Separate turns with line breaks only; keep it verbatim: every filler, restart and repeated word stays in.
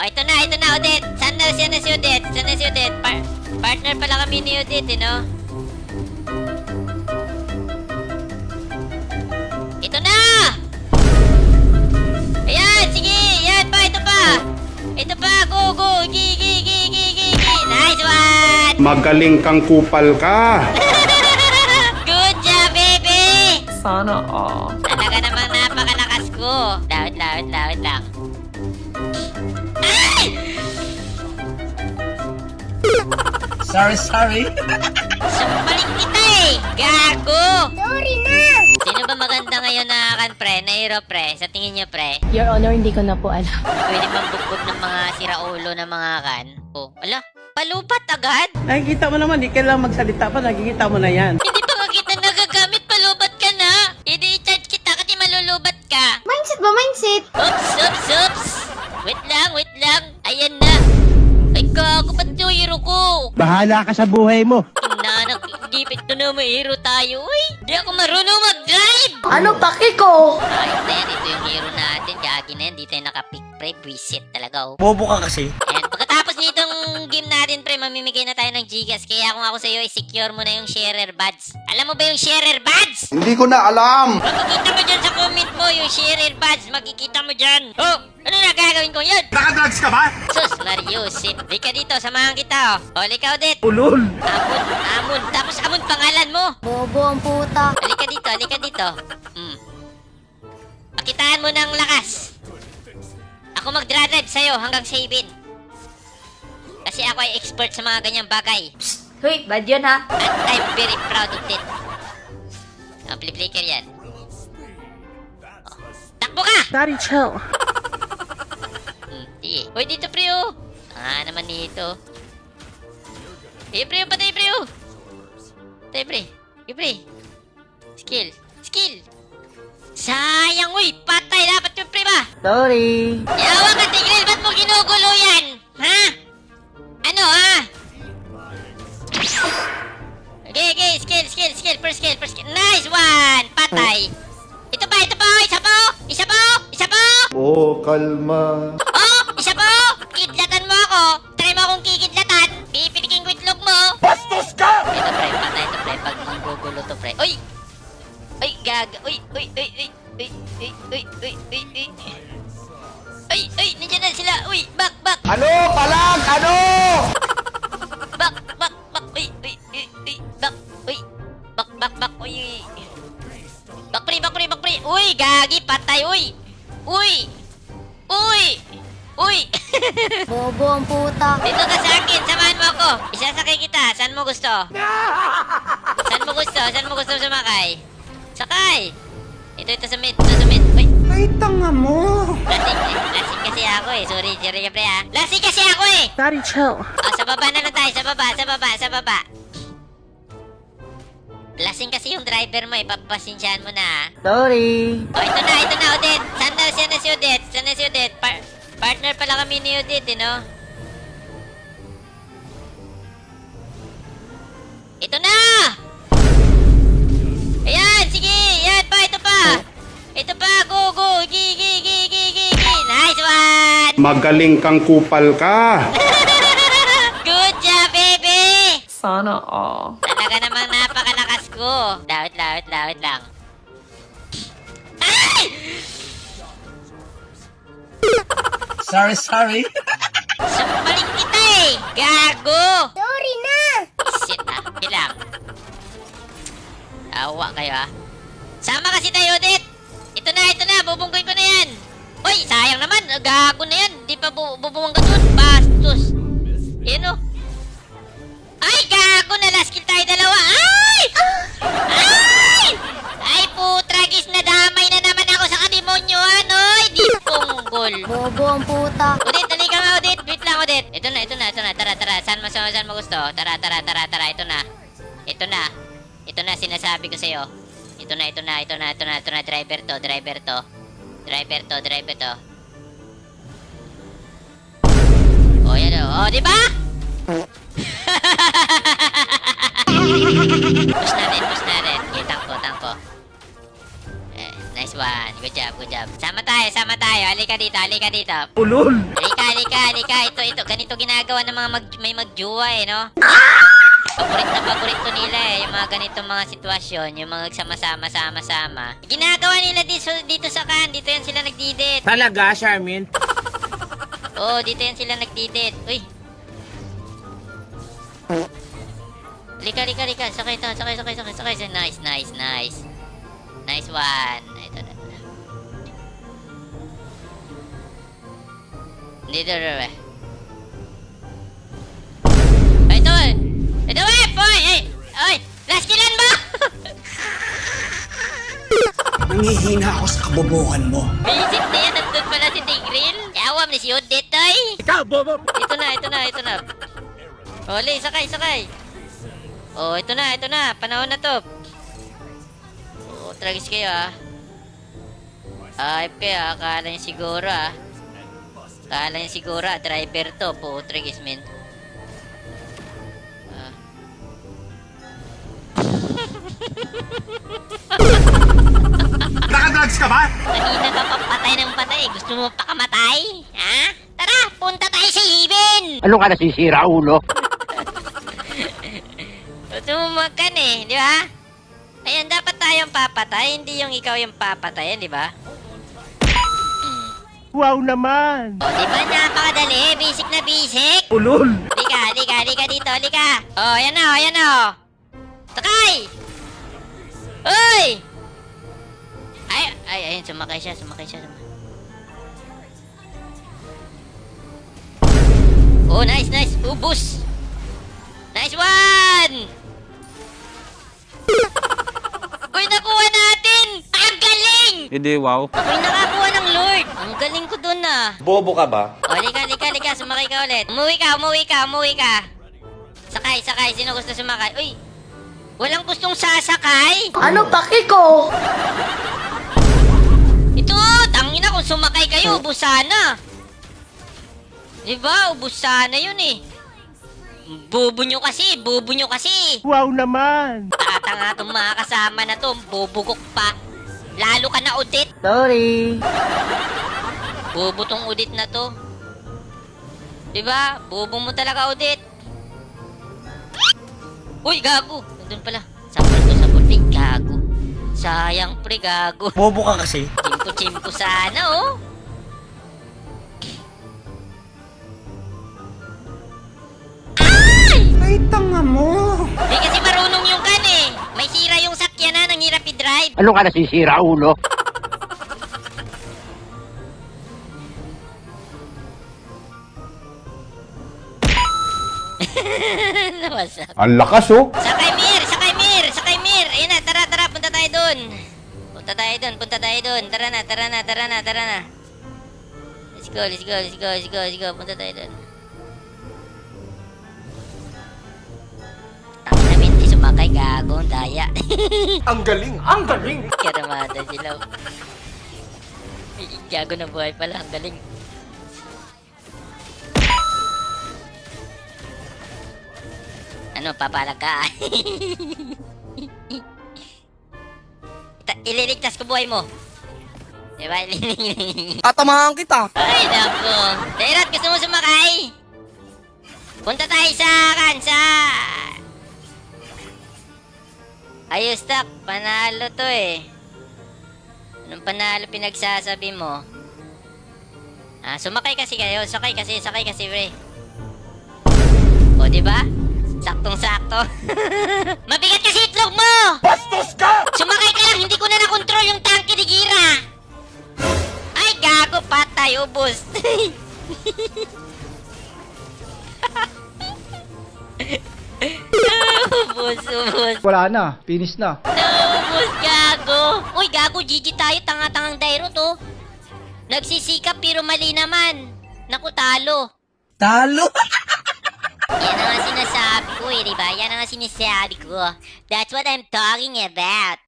Oh, ito na, ito na, Odette. Saan na siya na si Odette? Saan na si Odette? Par partner pala kami ni Odette, eh, no? Ito na! Ayan, sige! Ayan pa, ito pa! Ito pa, go, go! Gi, gi, gi, gi, gi, gi! Nice one!
Magaling kang kupal ka.
Good job, baby!
Sana all.
Talaga namang napakalakas ko. Lawit, lawit, lawit lang. Ay!
Sorry, sorry.
Sumbalik kita eh! Gago!
Sorry na!
Sino ba maganda ngayon na kan pre? Na hero pre? Sa tingin niyo pre?
Your Honor, hindi ko na po alam.
Pwede bang bugbog ng mga siraulo ng mga kan? Oh, ala, palupat agad?
Nakikita mo naman, di kailangan magsalita pa, nakikita mo na yan.
Hindi pa nga kita nagagamit, palubat ka na! Hindi i-charge kita kasi malulubat ka!
Mindset ba, mindset?
Oops, oops, oops! Wait lang, wait lang! Ayan na! Ay gago, ba't yung hero ko?
Bahala ka sa buhay mo.
Inanak, gipit ko na may hero tayo, uy! Di ako marunong mag-drive!
Ano paki ko?
Ayos na yan, ito yung hero natin. Gagi na yan, di tayo nakapick pre. Buisit talaga, oh.
Bobo ka kasi.
Ayan, pagkatapos nitong game natin, pre, mamimigay na tayo ng Gcash. Kaya kung ako sa'yo, i-secure mo na yung sharer badge. Alam mo ba yung sharer badge?
Hindi ko na alam.
Makikita mo dyan sa comment mo yung sharer badge. Makikita mo dyan. Oh, ano na gagawin ko yun?
Nakadrugs ka ba?
Sus, Mariusip. Lika dito, samahan kita, oh. O, lika, Odette.
Ulol!
Amon, Amon. Tapos Amon pangalan mo.
Bobo ang puta.
Halika dito, halika dito. Hmm. Pakitaan mo ng lakas. Ako magdra-drive sa'yo hanggang savin. Kasi ako ay expert sa mga ganyang bagay.
Hoy, bad yun ha?
And I'm very proud of it. Amplifier yan. Oh. Takbo ka!
Daddy, chill.
Hmm, sige. Hoy, dito, pre, oh. Ah, naman dito. Hey, pre, oh, patay, pre, oh. Patay, pre. Hey, pre. Skill. Skill. Sayang, uy. Patay dapat yung pre ba?
Sorry!
Yawa ka, Tigreal. Ba't mo ginugulo yan? Ha? Ano, ha? Okay, okay. Skill, skill, skill. First skill, first skill. Nice one. Patay. Ito pa, ito pa. Isa pa. Isa pa. Isa pa.
Oh, kalma.
Oh, isa pa. Kidlatan mo ako. Try mo akong kikidlatan. Pipilikin ko itlog mo.
Bastos ka!
Ito, pre. Patay ito, pre. Pag manggugulo to, pre. Uy! Uy, gaga. Uy, uy, uy, uy. Uy, uy, uy, uy, uy, uy. Uy, uy, nandiyan na sila. Uy, back, back.
Ano? Palag! Ano?
Back, back, back. Uy, uy, uy, uy. Back, uy. Back, back, back. Uy, uy. Back, pre, back, pre, back, pre. Uy, gagi. Patay, uy. Uy. Uy. Uy.
Bobo ang puta.
Dito ka sa akin. Samahan mo ako. Isasakay kita. Saan mo gusto? Saan mo gusto? Saan mo gusto sumakay? Sakay! Ito, ito sa mid, ito sa mid. Uy!
Ay, tanga mo.
Lasing, eh. Lasing kasi ako eh. Sorry, sorry ka pre ha. Lasing kasi ako eh!
Daddy, chill.
O, sa baba na lang tayo. Sa baba, sa baba, sa baba. Lasing kasi yung driver mo eh. Papasensyahan mo na ha.
Sorry!
O, ito na, ito na, Odette. Saan na siya na si Odette? Saan na si Odette? Par partner pala kami ni Odette, eh, no? Ito na! Ayan, sige! Ayan pa, ito pa! Ito pa, go, go! Gi, gi, gi, gi, gi, gi! Nice one!
Magaling kang kupal ka.
Good job, baby!
Sana all.
Talaga namang napakalakas ko. Lawit, lawit, lawit lang. Ay!
Sorry, sorry.
Sumbalik kita eh! Gago!
Sorry na!
Shit ah, bilang. Awa kayo ah. Sama kasi tayo, Odette! Ito na, ito na, bubunggoy ko na yan! Uy, sayang naman, gago na yan! Di pa bu bubungga dun, bastos! Yan o. Ay, gago na, last kill tayo dalawa! Ay! Ay! Ay, putragis, nadamay na naman ako sa kademonyohan, oy! Di punggol!
Bobo ang puta.
Odette, halika nga, Odette. Wait lang, Odette. Ito na, ito na, ito na. Tara, tara. Saan mo, saan, saan mo gusto? Tara, tara, tara, tara. Ito na. Ito na. Ito na, sinasabi ko sa'yo. Ito na, ito na, ito na, ito na, ito na. Driver to, driver to. Driver to, driver to. Oh, yan o. Oh, di ba? Push natin, push natin. Okay, tangko, tangko. Eh, nice one. Good job. job, good job. Sama tayo, sama tayo. Halika dito, halika dito.
Ulol.
Halika, halika, halika. Ito, ito. Ganito ginagawa ng mga mag, may magjuwa eh, no? Paborit na paborit to nila eh. Yung mga ganitong mga sitwasyon. Yung mga sama-sama, sama-sama. Ginagawa nila dito, dito sa kan. Dito yan sila nagdidit.
Talaga, Charmin?
Oo, oh, dito yan sila nagdidit. Uy. Lika, lika, lika. Sakay, sakay, sakay, sakay, sakay, sakay. Nice, nice, nice. Nice one. Ito, ito, ito. Dito, dito, dito. Ay, ito, eh. Ito, eh, boy. Ay, ay. Last killan mo.
Nangihina ako sa kabobohan mo.
Visit na yan. Nandun pala si Tigril. Yawam ni si Odette, ay.
Ikaw, bobo!
Ito na, ito na, ito na. Oli, sakay, sakay. Oh, ito na, ito na. Panahon na to. Oh, tragis kayo ah. Ayop kayo ah. Akala niyo siguro ah. Akala niyo siguro ah. Driver to. Po, tragis men. Ah.
Nakadrugs ka ba?
Kanina ka pa patay ng patay. Gusto mo pa kamatay? Ha? Tara, punta tayo sa Heaven!
Ano ka nasisira, ulo?
Gusto mo magkan eh, di ba? Ayan, dapat tayong papatay, hindi yung ikaw yung papatayan, di ba?
Wow naman!
O, di ba napakadali? Basic na basic.
Ulol.
Lika, lika, lika dito, lika. O, yan na, o, yan na, o. Sakay! Uy! Ay, ay, ayun, sumakay siya, sumakay siya. Sumakay. Oh, nice, nice. Ubus. Nice one! Uy, nakuha natin! Ang galing!
Hindi, wow.
Ako'y nakakuha ng Lord. Ang galing ko dun ah.
Bobo ka ba?
O, lika, lika, lika. Sumakay ka ulit. Umuwi ka, umuwi ka, umuwi ka. Sakay, sakay. Sino gusto sumakay? Uy, walang gustong sasakay.
Ano paki ko?
Ito, tangina kung sumakay kayo, ubus sana. Diba, ubus sana yun eh. Bobo nyo kasi, bobo nyo kasi.
Wow naman!
Tatanga itong mga kasama na to, bobugok pa. Lalo ka na udit.
Sorry!
Bobo tong udit na to. Diba? Bobo mo talaga udit. Uy, gago. Nandun pala. Sapul to, sapul. Ay, gago. Sayang pre, gago.
Bobo ka kasi.
Chimpo-chimpo sana, oh.
Ay, tanga mo.
Di kasi marunong yung kan eh. May sira yung sakyanan ng hirap i-drive.
Ano ka nasisira, ulo?
Nawasak.
Ang lakas oh.
Sakay Mir! Sakay Mir! Sakay Mir! Ayun na, tara, tara, punta tayo dun. Punta tayo dun, punta tayo dun. Tara na, tara na, tara na, tara na. Let's go, let's go, let's go, let's go, let's go. Punta tayo dun. Ang namin, di sumakay, gago, ang daya.
Ang galing, ang galing!
Karamada sila. Gago na buhay pala, ang galing. Ano, papalag ka? Ta- ililigtas ko buhay mo. Diba?
Tatamahan kita!
Ay, naku. Dairat, gusto mo sumakay? Punta tayo sa kansa. Ayos, tak. Panalo to eh. Anong panalo pinagsasabi mo? Ah, sumakay kasi kayo. Sakay kasi, sakay kasi, pre. O, diba? Saktong-sakto. Mabigat kasi itlog mo!
Bastos ka!
Sumakay ka lang, hindi ko na nakontrol yung tangke ni Gira. Ay, gago, patay, ubos. ubos, ubos.
Wala na, finish na.
Naubos, gago. Uy, gago, G G tayo, tanga-tangang dairo to. Nagsisikap pero mali naman. Naku, talo.
Talo!
Yan ang nga sinasabi ko eh, diba? Yan ang nga sinasabi ko. That's what I'm talking about.